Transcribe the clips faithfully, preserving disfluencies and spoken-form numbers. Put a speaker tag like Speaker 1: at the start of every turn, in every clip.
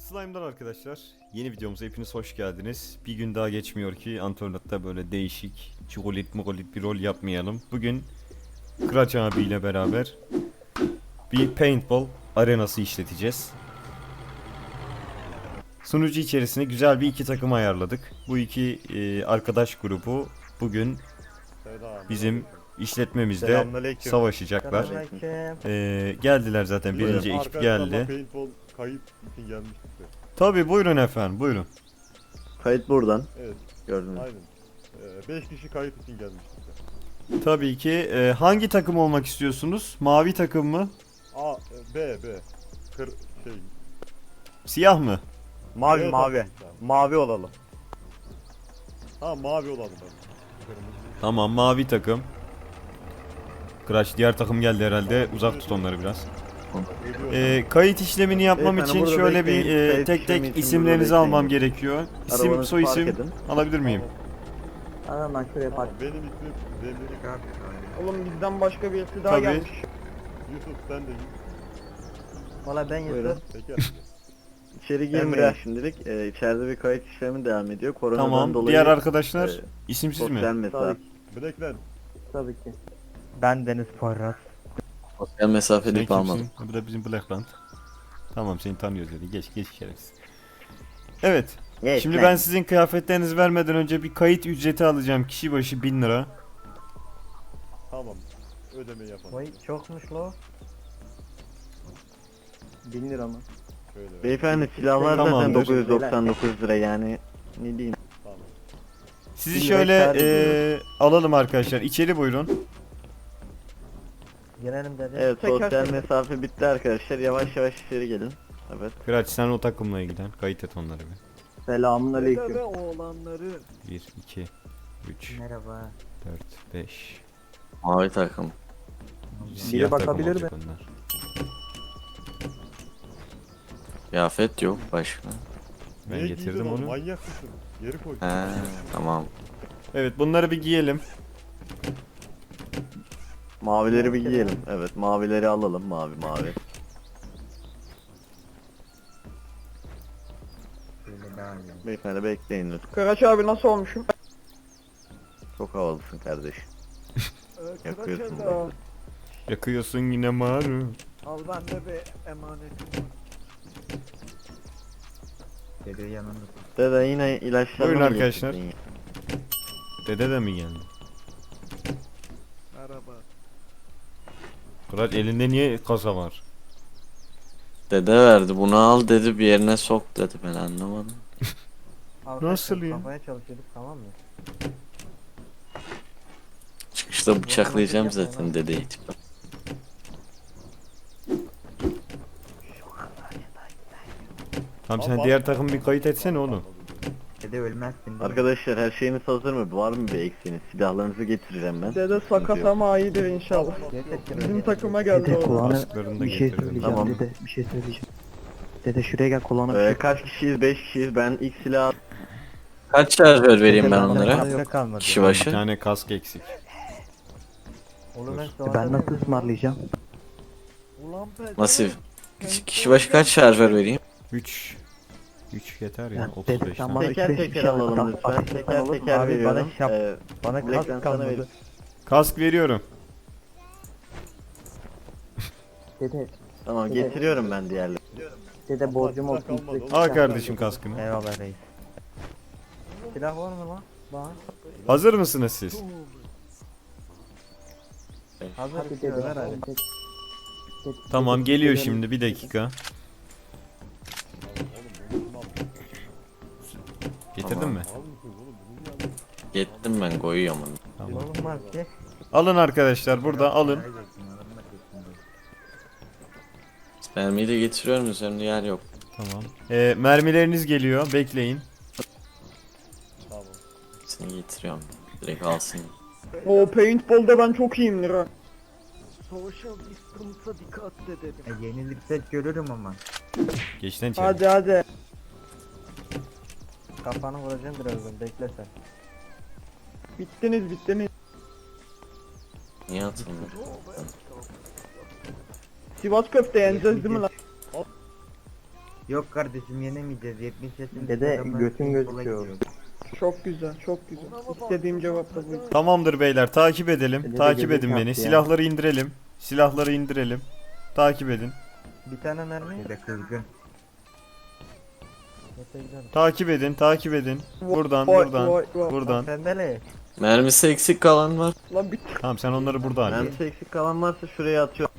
Speaker 1: Slime'dan arkadaşlar, yeni videomuza hepiniz hoş geldiniz. Bir gün daha geçmiyor ki Antonat'ta böyle değişik, çikolit mukolit bir rol yapmayalım. Bugün Kıraç abiyle beraber bir paintball arenası işleteceğiz. Sunucu içerisine güzel bir iki takım ayarladık. Bu iki e, arkadaş grubu bugün bizim işletmemizde
Speaker 2: Selamünaleyküm.
Speaker 1: savaşacaklar. E, geldiler zaten, birinci ekip geldi.
Speaker 2: Paintball kayıt için gelmiştik de.
Speaker 1: Tabi, buyurun efendim, buyurun.
Speaker 3: Kayıt buradan.
Speaker 2: Evet,
Speaker 3: Gördünüz.
Speaker 2: aynen. beş kişi kayıt için gelmiştik de.
Speaker 1: Tabii ki. E, hangi takım olmak istiyorsunuz? Mavi takım mı?
Speaker 2: A, e, B, B. Kır, şey.
Speaker 1: Siyah mı?
Speaker 4: Mavi
Speaker 2: Evet,
Speaker 4: mavi.
Speaker 2: abi.
Speaker 4: Mavi olalım.
Speaker 2: Ha, mavi olalım ben. Kırmızı.
Speaker 1: Tamam, mavi takım. Crash, diğer takım geldi herhalde. Uzak tut onları biraz.
Speaker 2: Geliyor.
Speaker 1: E, kayıt işlemini yapmam
Speaker 3: Beyefendi,
Speaker 1: için
Speaker 3: burada
Speaker 1: şöyle bir
Speaker 3: bekleyin.
Speaker 1: e,
Speaker 3: Kayıt
Speaker 1: tek
Speaker 3: işlemi
Speaker 1: tek
Speaker 3: için
Speaker 1: isimlerinizi
Speaker 3: burada
Speaker 1: almam
Speaker 3: bekleyin.
Speaker 1: gerekiyor. İsim,
Speaker 3: Arabanızı
Speaker 1: soy
Speaker 3: park
Speaker 1: isim
Speaker 3: edin.
Speaker 1: alabilir miyim?
Speaker 3: Hemen ben şuraya
Speaker 2: Tamam, benim ismim Zemleri.
Speaker 4: Oğlum bizden başka birisi daha
Speaker 1: Tabii.
Speaker 4: gelmiş.
Speaker 2: Yusuf, sen de
Speaker 3: Valla ben Buyurun.
Speaker 2: Teker.
Speaker 3: İçeri girmeyin
Speaker 4: Emre.
Speaker 3: şimdilik. Ee, içeride bir kayıt işlemi devam ediyor. Koronadan
Speaker 1: Tamam.
Speaker 3: dolayı
Speaker 1: Diğer arkadaşlar
Speaker 3: e,
Speaker 1: isimsiz
Speaker 3: sosyal
Speaker 1: mi?
Speaker 3: mesafe.
Speaker 2: Blackland.
Speaker 3: Tabii ki.
Speaker 4: Ben Deniz Parras.
Speaker 5: Sosyal
Speaker 1: Sen
Speaker 5: mesafeli
Speaker 1: kimsin?
Speaker 5: kalmadım.
Speaker 1: Bu da bizim Blackland. Tamam, seni tanıyoruz dedi. Geç geç şerefsiz. Evet.
Speaker 3: Evet,
Speaker 1: Şimdi
Speaker 3: lan.
Speaker 1: ben sizin kıyafetlerinizi vermeden önce bir kayıt ücreti alacağım. Kişi başı bin lira.
Speaker 2: Tamam. Ödemeyi yapalım.
Speaker 3: Vay çokmuş lo. bin lira mı?
Speaker 2: Şöyle.
Speaker 3: Beyefendi silahlar zaten
Speaker 1: Tamamdır.
Speaker 3: dokuz yüz doksan dokuz lira yani. Ne diyeyim?
Speaker 2: Tamam.
Speaker 1: Sizi
Speaker 3: Bin lira
Speaker 1: şöyle
Speaker 3: kâr
Speaker 1: eee, alalım arkadaşlar. İçeri buyurun.
Speaker 3: Gelelim dedi. Evet,
Speaker 4: Teker
Speaker 3: sosyal
Speaker 4: teker.
Speaker 3: mesafe bitti arkadaşlar. Yavaş yavaş içeri gelin. Evet.
Speaker 1: Kıraç, sen o takımla ilgilen. Kayıt et onları bir.
Speaker 3: Selamun aleyküm.
Speaker 4: oğlanları.
Speaker 1: bir, iki, üç,
Speaker 3: Merhaba.
Speaker 1: dört, beş.
Speaker 5: Mavi takım.
Speaker 1: Siyah takım
Speaker 3: bakabilir
Speaker 1: olacak onlar.
Speaker 5: Kıyafet yok başka.
Speaker 1: Ben
Speaker 2: Niye
Speaker 1: getirdim
Speaker 2: giydin
Speaker 1: onu.
Speaker 2: Manyak mısın? Geri koy.
Speaker 5: He, tamam.
Speaker 1: Evet, bunları bir giyelim.
Speaker 3: Mavileri bir giyelim. Evet, mavileri alalım. Mavi mavi. Beyefendi bekleyin lütfen.
Speaker 4: Kıraç abi nasıl olmuşum?
Speaker 3: Çok havalısın kardeşim. Yakıyorsun
Speaker 4: Kıraç
Speaker 3: bak.
Speaker 4: abi.
Speaker 1: Yakıyorsun yine maru.
Speaker 4: Al bende bir emanetim. Dede yanında.
Speaker 3: Dede yine ilaçlarını
Speaker 1: Buyurun
Speaker 3: mı
Speaker 1: arkadaşlar.
Speaker 3: getirdin ya?
Speaker 1: Dede de mi geldi?
Speaker 4: Merhaba.
Speaker 1: Kıraç, elinde niye kasa var?
Speaker 5: Dede verdi bunu al dedi bir yerine sok dedi ben anlamadım.
Speaker 1: Nasıl ya?
Speaker 3: Kafaya çalışıyorduk, tamam mı?
Speaker 5: Çıkışta bıçaklayacağım zaten dedeyi.
Speaker 1: Tamam, sen diğer takım bir kayıt etsene oğlum.
Speaker 3: Dede ölmezsin. Arkadaşlar her şeyiniz hazır mı? Var mı bir eksiğiniz? Silahlarınızı getireceğim ben.
Speaker 4: Dede sakat ama iyidir inşallah. Bizim takıma geldi
Speaker 6: Dede
Speaker 4: o.
Speaker 6: kulağına
Speaker 1: Kasklarını da
Speaker 6: bir şey
Speaker 1: getirdim.
Speaker 6: söyleyeceğim
Speaker 3: Tamam.
Speaker 6: dede, bir şey söyleyeceğim. Dede şuraya gel, kulağına bir
Speaker 3: Ee,
Speaker 6: şey.
Speaker 3: kaç kişiyiz? beş kişiyiz. Ben ilk silah...
Speaker 5: Kaç şarjör vereyim ben
Speaker 6: Dede,
Speaker 5: onlara?
Speaker 6: bende kalmadı.
Speaker 5: Kişi
Speaker 1: Bir
Speaker 5: başı.
Speaker 1: tane kask eksik.
Speaker 6: Ben nasıl ısmarlayacağım?
Speaker 4: Ulan be.
Speaker 5: Nasıl? Kişi, kişi başı kaç şarjör vereyim?
Speaker 1: üç. üç yeter ya.
Speaker 6: Ya
Speaker 1: otuz
Speaker 6: dede
Speaker 1: beş
Speaker 6: sen
Speaker 1: tane.
Speaker 6: bana üç
Speaker 3: Teker
Speaker 6: beş bir
Speaker 3: teker
Speaker 6: şey
Speaker 3: alalım
Speaker 6: al.
Speaker 3: lütfen.
Speaker 6: Bak,
Speaker 3: Teker
Speaker 6: olur mu?
Speaker 3: teker
Speaker 6: Abi
Speaker 3: veriyorum.
Speaker 6: bana şap,
Speaker 3: Ee,
Speaker 6: bana
Speaker 3: Blackland
Speaker 6: kask
Speaker 3: sana
Speaker 6: kalmadı.
Speaker 3: veriyorum.
Speaker 1: Kask veriyorum.
Speaker 6: Dede,
Speaker 3: Tamam, getiriyorum ben diğerleri.
Speaker 6: dede borcum
Speaker 2: Silah
Speaker 6: olsun.
Speaker 2: kalmadı oğlum.
Speaker 1: Al kardeşim kaskını.
Speaker 6: Eyvallah reis.
Speaker 3: Silah var mı lan? Bana.
Speaker 1: Hazır mısınız siz?
Speaker 3: Hazır.
Speaker 6: Hadi dede.
Speaker 3: Ver hadi.
Speaker 6: Dede- dede-
Speaker 1: Tamam,
Speaker 6: dede-
Speaker 1: geliyor
Speaker 6: dede-
Speaker 1: şimdi, bir dakika. Getirdin
Speaker 5: Tamam.
Speaker 1: mi?
Speaker 2: Al mısın oğlum? Bunu niye aldın?
Speaker 5: Gittim ben koyuyorum onu.
Speaker 1: Tamam.
Speaker 3: Olmaz ki.
Speaker 1: Alın arkadaşlar, burada alın.
Speaker 5: Spermiyi de getiriyorum üzerimde yer yok.
Speaker 1: Tamam. Ee, mermileriniz geliyor, bekleyin.
Speaker 2: Tamam.
Speaker 5: Seni getiriyorum. Direkt alsın.
Speaker 4: O paintball'da ben çok iyiyimdir ha.
Speaker 3: E, yenilirsek görürüm ama.
Speaker 1: Geç lan içeri.
Speaker 4: Hadi hadi.
Speaker 3: Kafanı vuracağım birazdan, bekle sen.
Speaker 4: Bittiniz bittiniz.
Speaker 5: Niye atılmıyor?
Speaker 4: Sivas köfte yeneceğiz değil mi lan?
Speaker 7: Yok kardeşim yenemeyeceğiz. yetmiş yaşında.
Speaker 6: Dede
Speaker 7: adamlar
Speaker 6: götün
Speaker 7: kola
Speaker 6: gözüküyor.
Speaker 7: gidiyor.
Speaker 4: Çok güzel, çok güzel. İstediğim cevap da buydu.
Speaker 1: Tamamdır beyler, takip edelim.
Speaker 6: Dede
Speaker 1: Takip
Speaker 6: gözük
Speaker 1: edin beni.
Speaker 6: yaptı ya.
Speaker 1: Silahları indirelim. Silahları indirelim. Takip edin.
Speaker 7: Bir tane mermi. Dede kızgın.
Speaker 1: Takip edin, takip edin. Buradan,
Speaker 4: Vay,
Speaker 1: buradan,
Speaker 4: vay, vay.
Speaker 1: buradan.
Speaker 7: Sendele.
Speaker 5: Mermisi eksik kalan var.
Speaker 4: Lan bir
Speaker 1: Tamam, sen onları burada hallet.
Speaker 3: Mermisi eksik kalan varsa şuraya atıyor.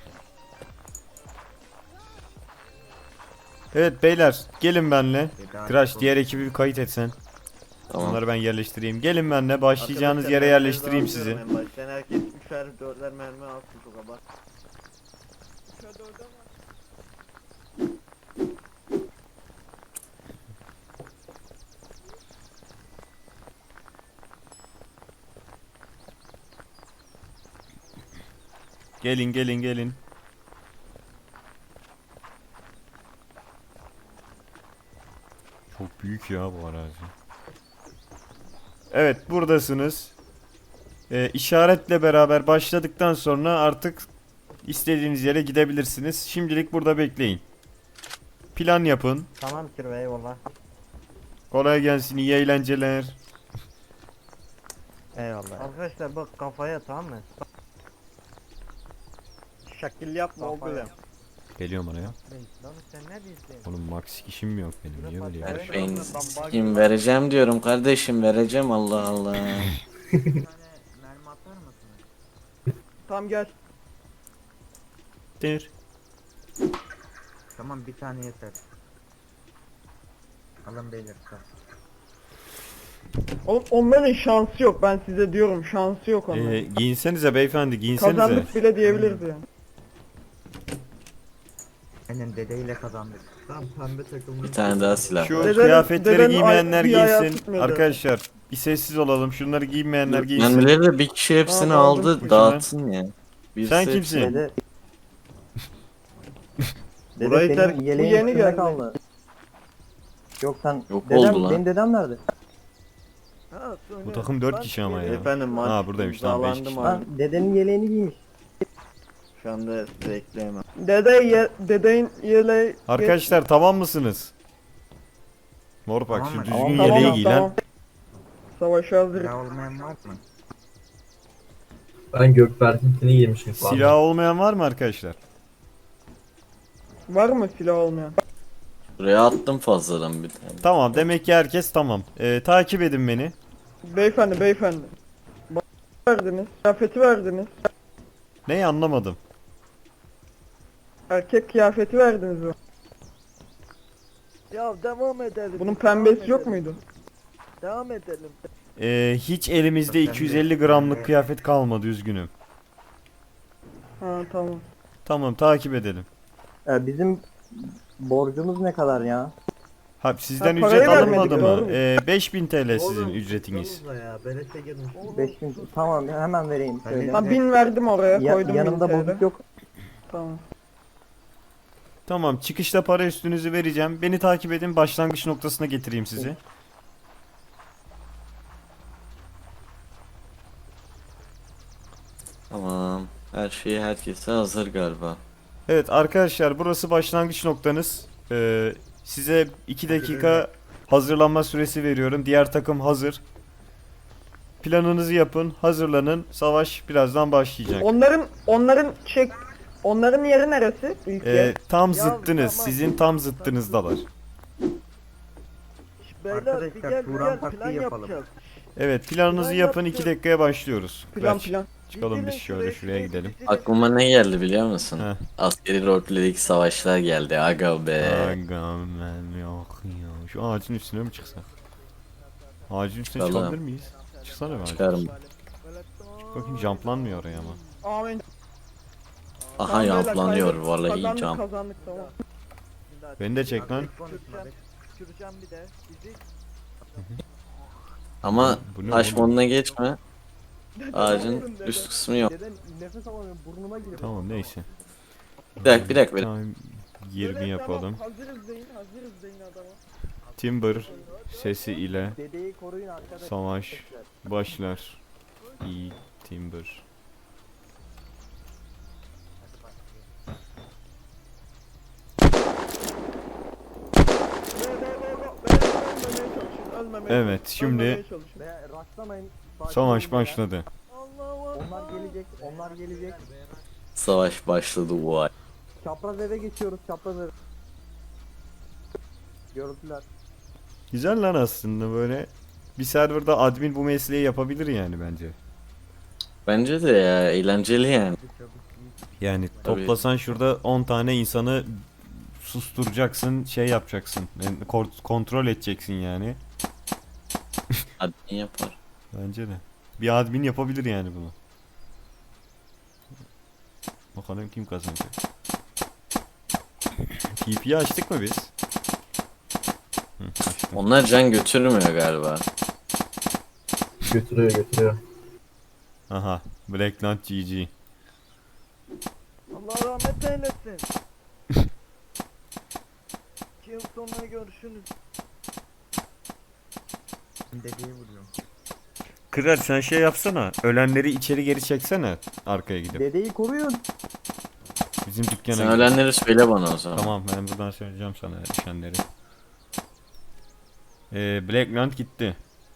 Speaker 1: Evet beyler, gelin benle.
Speaker 7: Dede
Speaker 1: Crash
Speaker 7: artık
Speaker 1: diğer ekibi bir kayıt etsen.
Speaker 5: Tamam.
Speaker 1: Onları ben yerleştireyim. Gelin benle, başlayacağınız
Speaker 3: Arkadaşlar,
Speaker 1: yere
Speaker 3: mermileri
Speaker 1: yerleştireyim sizi.
Speaker 3: dağıtıyorum en baştan. Herkes üçer dörtler mermi alsın çok abart.
Speaker 1: Gelin, gelin, gelin. Çok büyük ya bu arazi. Evet, buradasınız. Ee, işaretle beraber başladıktan sonra artık istediğiniz yere gidebilirsiniz. Şimdilik burada bekleyin. Plan yapın.
Speaker 6: Tamam Kirve eyvallah.
Speaker 1: Kolay gelsin, iyi eğlenceler.
Speaker 6: Eyvallah.
Speaker 7: Arkadaşlar bak kafaya tamam mı?
Speaker 4: şekil yapma oğlum.
Speaker 1: Geliyorum oraya.
Speaker 7: Lan sen ne diyorsun?
Speaker 1: Oğlum max işim mi yok benim? Niye böyle
Speaker 7: Evet.
Speaker 1: yapıyorsun?
Speaker 5: Ben kim vereceğim diyorum kardeşim, vereceğim, Allah Allah.
Speaker 7: Mermi atar mısın?
Speaker 4: Tamam gel.
Speaker 1: Dir.
Speaker 7: Tamam bir tane yeter. Alın beyler. tamam.
Speaker 4: Oğlum onların şansı yok, ben size diyorum, şansı yok onların.
Speaker 1: Ee, giyinsenize beyefendi, giyinsenize.
Speaker 4: Kazandık bile diyebiliriz yani.
Speaker 7: Aynen dedeyle kazandık. Tamam pembe takımlı.
Speaker 5: Bir tane daha silah.
Speaker 1: Şu
Speaker 4: Deden-
Speaker 1: kıyafetleri
Speaker 4: deden
Speaker 1: giymeyenler
Speaker 4: ay- bir ayağı
Speaker 1: giysin.
Speaker 4: tutmuyordu.
Speaker 1: Arkadaşlar bir sessiz olalım. Şunları giymeyenler giysin.
Speaker 5: Mermileri de bir kişi hepsini
Speaker 4: Tamam, aldım.
Speaker 5: aldı,
Speaker 1: Ucuna.
Speaker 5: dağıtsın ya. Birisi
Speaker 1: Sen
Speaker 5: hepsini-
Speaker 1: kimsin?
Speaker 6: Dede. Dede
Speaker 3: Burayı
Speaker 6: senin
Speaker 3: terk-
Speaker 6: yeleğin
Speaker 4: Bu yeni
Speaker 6: üstünde
Speaker 4: geldi.
Speaker 6: kaldı. Yok sen
Speaker 5: Yok
Speaker 6: dedem,
Speaker 5: oldu lan.
Speaker 6: benim dedem nerede?
Speaker 1: Bu takım dört kişi ama ya.
Speaker 3: Efendim maç
Speaker 1: Ha, buradaymış, tamam, beş
Speaker 3: imzalandı
Speaker 1: kişi.
Speaker 3: mı?
Speaker 6: Lan dedenin yeleğini giymiş.
Speaker 3: Şu anda size ekleyemem.
Speaker 4: Dede ye, dedeyin yeleği...
Speaker 1: Arkadaşlar tamam mısınız? Mor bak
Speaker 7: Tamam
Speaker 1: şu
Speaker 7: mı?
Speaker 1: düzgün
Speaker 4: Tamam,
Speaker 1: yeleği
Speaker 4: tamam,
Speaker 1: giy
Speaker 4: tamam.
Speaker 1: lan.
Speaker 4: Savaşa hazır.
Speaker 7: Silah olmayan var mı?
Speaker 8: Ben Gökberk'inkini giymişim.
Speaker 1: Silah olmayan var mı arkadaşlar?
Speaker 4: Var mı silah olmayan?
Speaker 5: Buraya attım fazladan bir tane.
Speaker 1: Tamam, demek ki herkes tamam. Ee, takip edin beni.
Speaker 4: Beyefendi, beyefendi. Bana verdiniz, kıyafeti verdiniz.
Speaker 1: Neyi anlamadım.
Speaker 4: Erkek kıyafeti verdiniz bana.
Speaker 7: Ya devam edelim.
Speaker 4: Bunun pembesi yok muydu?
Speaker 7: Devam edelim.
Speaker 1: Ee, hiç elimizde iki yüz elli gramlık kıyafet kalmadı, üzgünüm.
Speaker 4: Ha tamam.
Speaker 1: Tamam, takip edelim.
Speaker 6: Ee, bizim borcumuz ne kadar ya?
Speaker 1: Ha, sizden
Speaker 4: Ha, parayı
Speaker 1: ücret alınmadı
Speaker 4: vermedik,
Speaker 1: mı?
Speaker 4: doğru mu?
Speaker 1: Ee, beş bin T L sizin ücretiniz.
Speaker 7: Ya beleşe girmiş.
Speaker 6: beş bin tamam hemen vereyim söyle.
Speaker 4: Ha bin verdim oraya,
Speaker 6: Ya-
Speaker 4: koydum
Speaker 6: yanımda
Speaker 4: bin T L.
Speaker 6: bozuk yok.
Speaker 4: Tamam.
Speaker 1: Tamam, çıkışta para üstünüzü vereceğim. Beni takip edin, başlangıç noktasına getireyim sizi.
Speaker 5: Tamam. Her şey herkese hazır galiba.
Speaker 1: Evet arkadaşlar, burası başlangıç noktanız. Ee, size iki dakika hazırlanma süresi veriyorum. Diğer takım hazır. Planınızı yapın, hazırlanın. Savaş birazdan başlayacak.
Speaker 4: Onların, onların çek... Onların yeri neresi? İlk
Speaker 1: Ee,
Speaker 4: yer.
Speaker 1: tam zıttınız. Sizin tam zıttınızdalar.
Speaker 7: Arkadaşlar Turan taktiği yapalım.
Speaker 1: Evet, planınızı yapın. iki dakikaya başlıyoruz.
Speaker 4: Plan
Speaker 1: Kaç.
Speaker 4: plan.
Speaker 1: Çıkalım biz şöyle, şuraya gidelim.
Speaker 5: Aklıma ne geldi biliyor musun?
Speaker 1: Heh.
Speaker 5: Askeri roleplay'deki savaşlar geldi. Aga be.
Speaker 1: Aga ben yok ya. Şu ağacın üstüne mi çıksak? Ağacın üstüne
Speaker 5: Çıkalım.
Speaker 1: çıkabilir miyiz? Çıksana be ağacın
Speaker 5: Çıkarım.
Speaker 1: üstüne. Bakayım, jumplanmıyor oraya ama.
Speaker 4: Amin.
Speaker 5: Aha
Speaker 4: Tamam, beyler,
Speaker 5: yamplanıyor
Speaker 4: kazandık,
Speaker 5: vallahi
Speaker 4: kazandık,
Speaker 5: cam.
Speaker 4: Kazandık tamam.
Speaker 1: Beni de çek lan.
Speaker 7: Düşüreceğim bir de. Bizi
Speaker 5: Ama
Speaker 1: Bu ne
Speaker 5: taş
Speaker 1: oğlum?
Speaker 5: moduna geçme. Ağacın üst kısmı yok.
Speaker 4: Deden nefes alamıyorum, burnuma giriyor.
Speaker 1: Tamam, neyse.
Speaker 5: Bir dakika bir dakika. bir-
Speaker 1: Tamam, yirmi yapalım.
Speaker 4: Tamam, hazırız deyin, hazırız deyin adama.
Speaker 1: Timber sesi ile
Speaker 6: Dedeyi koruyun arkadaşlar.
Speaker 1: savaş başlar. İyi Timber.
Speaker 4: Ölmemeye
Speaker 1: Evet,
Speaker 4: çalış,
Speaker 1: şimdi
Speaker 4: ölmemeye çalış.
Speaker 6: Ve rastlamayın. Sakin
Speaker 1: savaş
Speaker 6: olun ya.
Speaker 1: başladı.
Speaker 6: Onlar gelecek, onlar gelecek.
Speaker 5: Savaş başladı vay.
Speaker 6: Çapraz eve geçiyoruz, çapraz eve. Gördüler.
Speaker 1: Güzel lan aslında böyle. Bir serverda admin bu mesleği yapabilir yani bence.
Speaker 5: Bence de ya eğlenceli yani.
Speaker 1: Yani
Speaker 5: Tabii.
Speaker 1: toplasan şurada on tane insanı susturacaksın, şey yapacaksın. Yani kor- kontrol edeceksin yani.
Speaker 5: Admin yapar.
Speaker 1: Bence de. Bir admin yapabilir yani bunu. Bakalım kim kazanacak. T P'yi açtık mı biz? Hı, açtık.
Speaker 5: Onlar can götürmüyor galiba.
Speaker 8: Götürüyor götürüyor.
Speaker 1: Aha. Blackland G G.
Speaker 4: Allah rahmet eylesin. İki yıl sonra görüşürüz.
Speaker 7: Dedeyi vuruyorum.
Speaker 1: Kırar sen şey yapsana. Ölenleri içeri geri çeksene. Arkaya gidip.
Speaker 6: Dedeyi koruyun.
Speaker 1: Bizim dükkana
Speaker 5: Sen
Speaker 1: gidip.
Speaker 5: ölenleri söyle bana o zaman.
Speaker 1: Tamam ben buradan söyleyeceğim sana düşenleri. Ee, Blackland gitti.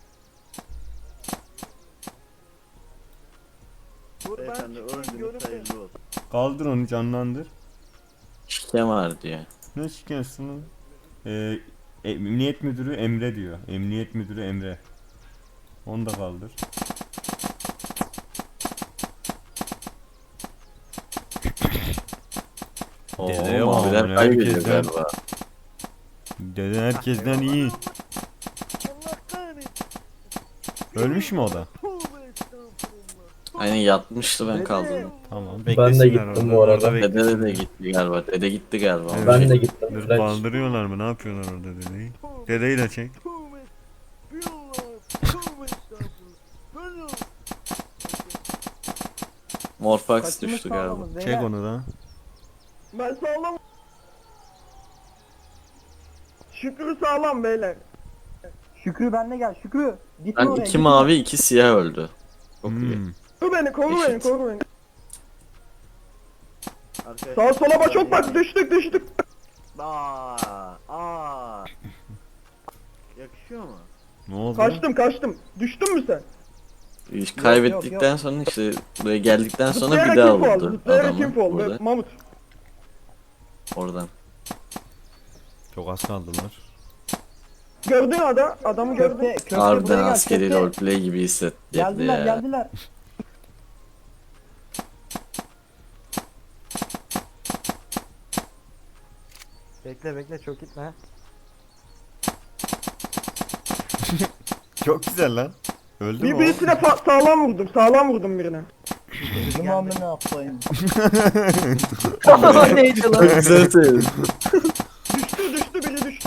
Speaker 4: Dur ben
Speaker 3: Beyefendi
Speaker 4: çıkayım
Speaker 3: öldünüz,
Speaker 4: görüntü.
Speaker 3: hayırlı olsun.
Speaker 1: Kaldır onu canlandır.
Speaker 5: Şike var diyor.
Speaker 1: Ne şikayetsin lan? Ee, Emniyet Müdürü Emre diyor. Emniyet Müdürü Emre. Onu da kaldır.
Speaker 5: Oo,
Speaker 1: Dedeye bak,
Speaker 5: maviler
Speaker 1: yani
Speaker 5: kaybediyor
Speaker 1: herkesten-
Speaker 5: galiba.
Speaker 1: Dede herkesten iyi.
Speaker 4: Allah kahretsin.
Speaker 1: Ölmüş mü o da?
Speaker 4: Tövbe estağfurullah.
Speaker 5: Aynen yatmıştı ben kaldım.
Speaker 1: Tamam.
Speaker 8: Ben de
Speaker 1: beklesinler
Speaker 8: gittim
Speaker 1: orada,
Speaker 8: bu arada.
Speaker 1: orada
Speaker 5: Dede
Speaker 1: beklesinler.
Speaker 5: de gitti galiba. Dede gitti galiba.
Speaker 1: Evet.
Speaker 8: Ben de gittim.
Speaker 1: Dur
Speaker 8: Kaç.
Speaker 1: kaldırıyorlar mı? Ne yapıyorlar orada dedeyi? Dedeyi de çek.
Speaker 4: Tövbe. Bir Allah. Tövbe estağfurullah. Böyle.
Speaker 5: Morfax
Speaker 6: Kaçımız
Speaker 5: düştü galiba.
Speaker 6: sağlamız
Speaker 1: Çek
Speaker 6: beyler.
Speaker 1: onu da.
Speaker 4: Ben sağlam. Şükrü sağlam beyler.
Speaker 6: Şükrü benle gel, Şükrü. Gitme
Speaker 5: Ben
Speaker 6: oraya.
Speaker 5: iki
Speaker 6: gitme.
Speaker 5: mavi iki siyah öldü. Çok iyi.
Speaker 1: Hmm.
Speaker 4: Koru beni, koru beni,
Speaker 5: Eşit.
Speaker 4: koru beni.
Speaker 3: Arkadaşlar,
Speaker 4: Sağa sola bak çok bak düştük düştük.
Speaker 3: Aa, aa. Yakışıyor mu?
Speaker 1: Ne oldu?
Speaker 4: Kaçtım kaçtım. Düştün mü sen?
Speaker 5: İş
Speaker 6: yok,
Speaker 5: kaybettikten sonra işte buraya geldikten sonra bir
Speaker 4: Zıplayarak
Speaker 5: daha
Speaker 4: info al,
Speaker 5: vurdu
Speaker 4: zıplayarak
Speaker 5: adamı.
Speaker 4: info al.
Speaker 5: Burada,
Speaker 4: Mamut.
Speaker 5: oradan.
Speaker 1: Çok az kaldılar.
Speaker 4: Gördün ada, adamı gördün.
Speaker 6: Köfte, köfte
Speaker 5: Harbiden
Speaker 6: buraya gel,
Speaker 5: askeri
Speaker 6: köfte.
Speaker 5: roleplay gibi hissettirdi
Speaker 6: Geldiler,
Speaker 5: ya.
Speaker 6: geldiler.
Speaker 7: Bekle bekle çok gitme.
Speaker 1: Çok güzel lan. Öldü
Speaker 4: Bir
Speaker 1: mü o?
Speaker 4: birisine fa- sağlam vurdum, sağlam vurdum birine.
Speaker 6: Bizim amına ne yapayım?
Speaker 7: Neydi lan?
Speaker 5: Güzel söyledin.
Speaker 4: Düştü düştü biri düştü.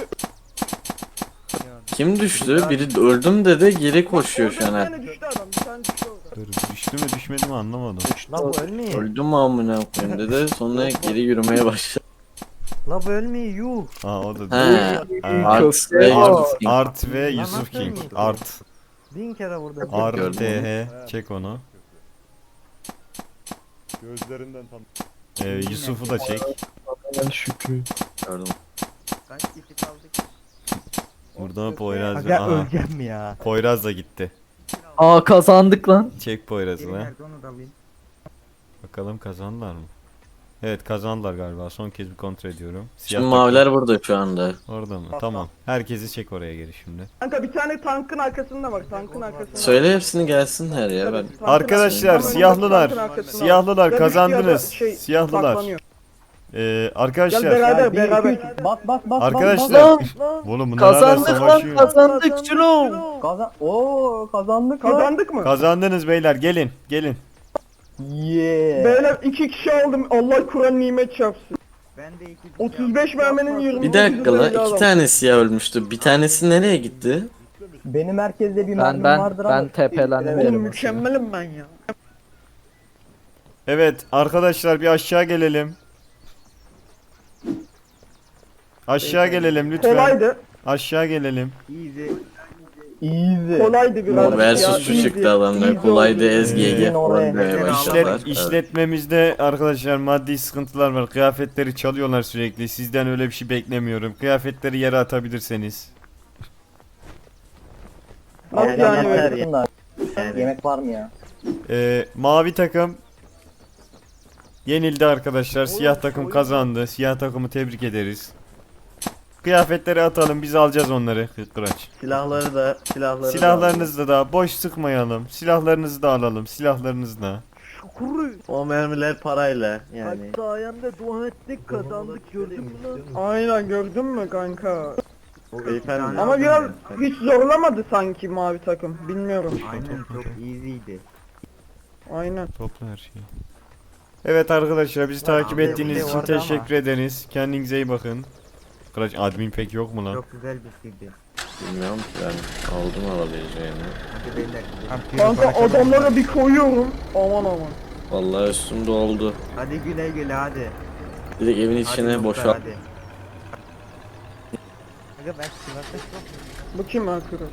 Speaker 5: Kim düştü? Biri öldüm dedi geri koşuyor şu an.
Speaker 4: Orada bir
Speaker 5: her-
Speaker 4: tane düştü adam, bir tane düştü orada.
Speaker 1: Dur, düştü mü düşmedi mi anlamadım.
Speaker 7: La bu ölmüyor.
Speaker 5: Öldüm mü amına koyayım dedi. Sonra geri yürümeye başladı.
Speaker 7: La bu ölmüyor yuh.
Speaker 1: Aa o da
Speaker 5: He.
Speaker 1: Ha,
Speaker 5: Art ve
Speaker 1: Art,
Speaker 5: Yusuf King.
Speaker 1: Art ve
Speaker 7: Lan
Speaker 1: Yusuf
Speaker 7: nasıl
Speaker 1: King.
Speaker 7: ölmedi?
Speaker 1: Art.
Speaker 7: Bin kere vurdum.
Speaker 1: R
Speaker 5: Gördüm
Speaker 1: T H. Çek onu.
Speaker 2: Gözlerinden tam.
Speaker 1: Ee, Yusuf'u da çek.
Speaker 8: Şükrü.
Speaker 5: Gördüm.
Speaker 7: Kaç kişi kaldık?
Speaker 1: Burada Poyraz.
Speaker 7: Aga
Speaker 1: Aha.
Speaker 7: öleceğim ya.
Speaker 1: Poyraz da gitti.
Speaker 9: Aa kazandık lan.
Speaker 1: Çek Poyraz'ı
Speaker 7: Biri
Speaker 1: da.
Speaker 7: nerede onu da alayım.
Speaker 1: Bakalım kazandılar mı? Evet kazandılar galiba. Son kez bir kontrol ediyorum. Siyah
Speaker 5: Şimdi
Speaker 1: takım
Speaker 5: maviler burada şu anda.
Speaker 1: orada mı? Tamam. Herkesi çek oraya geri şimdi.
Speaker 4: Kanka bir tane tankın arkasında bak, tankın arkasında.
Speaker 5: Söyle hepsini gelsinler ya ben.
Speaker 4: Tabii, tankın
Speaker 1: Arkadaşlar
Speaker 4: arkasında.
Speaker 1: siyahlılar.
Speaker 4: Tankın arkasında.
Speaker 1: Siyahlılar
Speaker 4: Ya
Speaker 1: kazandınız.
Speaker 4: düştü ya da şey,
Speaker 1: Siyahlılar.
Speaker 4: saklanıyor.
Speaker 1: Ee,
Speaker 4: Gel
Speaker 1: arkadaşlar.
Speaker 4: beraber
Speaker 6: Gel, bir,
Speaker 4: beraber.
Speaker 6: iki, üç. Bas, bas, bas,
Speaker 1: Arkadaşlar.
Speaker 9: Lan
Speaker 1: Oğlum bunlar hala
Speaker 9: kazandık lan
Speaker 1: savaşıyor.
Speaker 9: kazandık Cülum.
Speaker 6: bas. Kazan. Oo, kazandık lan.
Speaker 4: Kazandık mı?
Speaker 1: Kazandınız beyler gelin gelin.
Speaker 6: Yeah.
Speaker 4: Beyler iki kişi aldım. Allah Kur'an nimet çarpsın.
Speaker 7: Ben de iki
Speaker 4: otuz beş merminin yirmi.
Speaker 5: Bir dakika la iki tane siyah ölmüştü. Bir tanesi nereye gitti?
Speaker 6: Benim merkezde bir
Speaker 9: Ben
Speaker 6: mermim
Speaker 9: ben
Speaker 6: vardır ama.
Speaker 9: ben tepelendim.
Speaker 6: Evet.
Speaker 4: Oğlum mükemmelim ben ya.
Speaker 1: Evet arkadaşlar bir aşağı gelelim. Aşağı gelelim lütfen.
Speaker 4: Kolaydı.
Speaker 1: Aşağı gelelim.
Speaker 7: Easy.
Speaker 6: Easy.
Speaker 4: Kolaydı biraz.
Speaker 5: O versus şu çıktı adamlar. Kolaydı S G G
Speaker 1: Ee,
Speaker 5: falan demeye
Speaker 7: İşlet-
Speaker 5: başladılar.
Speaker 1: İşlet, işletmemizde arkadaşlar maddi sıkıntılar var. Kıyafetleri çalıyorlar sürekli. Sizden öyle bir şey beklemiyorum. Kıyafetleri yere atabilirseniz.
Speaker 4: Nasıl yani
Speaker 3: yeter
Speaker 4: böyle?
Speaker 3: ya.
Speaker 6: Yani. Yemek var mı ya?
Speaker 1: Ee, mavi takım yenildi arkadaşlar. Siyah takım kazandı. Siyah takımı tebrik ederiz. Kıyafetleri atalım. Biz alacağız onları. Kıraç.
Speaker 3: Silahları da silahları da
Speaker 1: Silahlarınızı da boş sıkmayalım. Silahlarınızı da alalım. Silahlarınızı da.
Speaker 3: o mermiler parayla yani.
Speaker 7: sayende dua ettik kazandık gördün mü lan?
Speaker 4: Aynen gördün mü kanka?
Speaker 3: Beyefendi.
Speaker 4: Ama biraz hiç zorlamadı sanki mavi takım. Bilmiyorum.
Speaker 7: Aynen çok easy'ydi.
Speaker 4: Aynen.
Speaker 1: Topla her şeyi. Evet arkadaşlar bizi takip
Speaker 7: abi,
Speaker 1: ettiğiniz
Speaker 7: bir şey
Speaker 1: için
Speaker 7: vardı ama.
Speaker 1: teşekkür ederiz. Kendinize iyi bakın. Kıraç admin pek yok mu lan?
Speaker 7: Çok güzel bir şeydi.
Speaker 5: Bilmiyorum ki ben aldım alabileceğini.
Speaker 7: Hadi beyler.
Speaker 4: Kanka adamlara bir koyuyorum. Aman aman.
Speaker 5: Vallahi üstümde oldu.
Speaker 7: Hadi güle güle hadi.
Speaker 5: Direkt evin
Speaker 7: Hadi
Speaker 5: içine
Speaker 7: dostlar,
Speaker 5: boşalt.
Speaker 7: hadi.
Speaker 4: Bu kim arkadaş?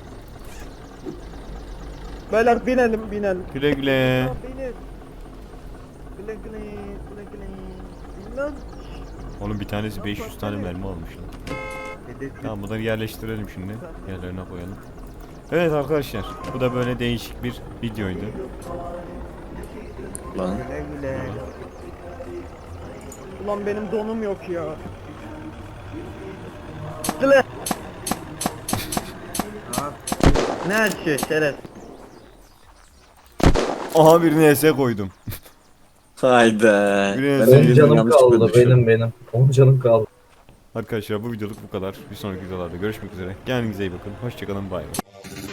Speaker 4: Beyler binelim binelim.
Speaker 1: Güle güle.
Speaker 7: Benim. Güle güle güle güle. Bilmem.
Speaker 1: Onun bir tanesi beş yüz tane mermi almış lan.
Speaker 7: Dedet
Speaker 1: Tamam bunları yerleştirelim şimdi. Yerlerine koyalım. Evet arkadaşlar bu da böyle değişik bir videoydu.
Speaker 5: Lan.
Speaker 7: güle güle.
Speaker 4: Ulan benim donum yok ya.
Speaker 3: Ne açıyor şeref?
Speaker 1: Aha birine S koydum.
Speaker 5: Hayda.
Speaker 1: Birine
Speaker 5: Ben
Speaker 1: S
Speaker 5: onu
Speaker 9: Canım
Speaker 5: yanlış
Speaker 9: kaldı
Speaker 5: bölmüşüm.
Speaker 9: benim benim. On canım kaldı.
Speaker 1: Arkadaşlar bu videoluk bu kadar. Bir sonraki videolarda görüşmek üzere. Kendinize iyi bakın. Hoşçakalın. Bay bay.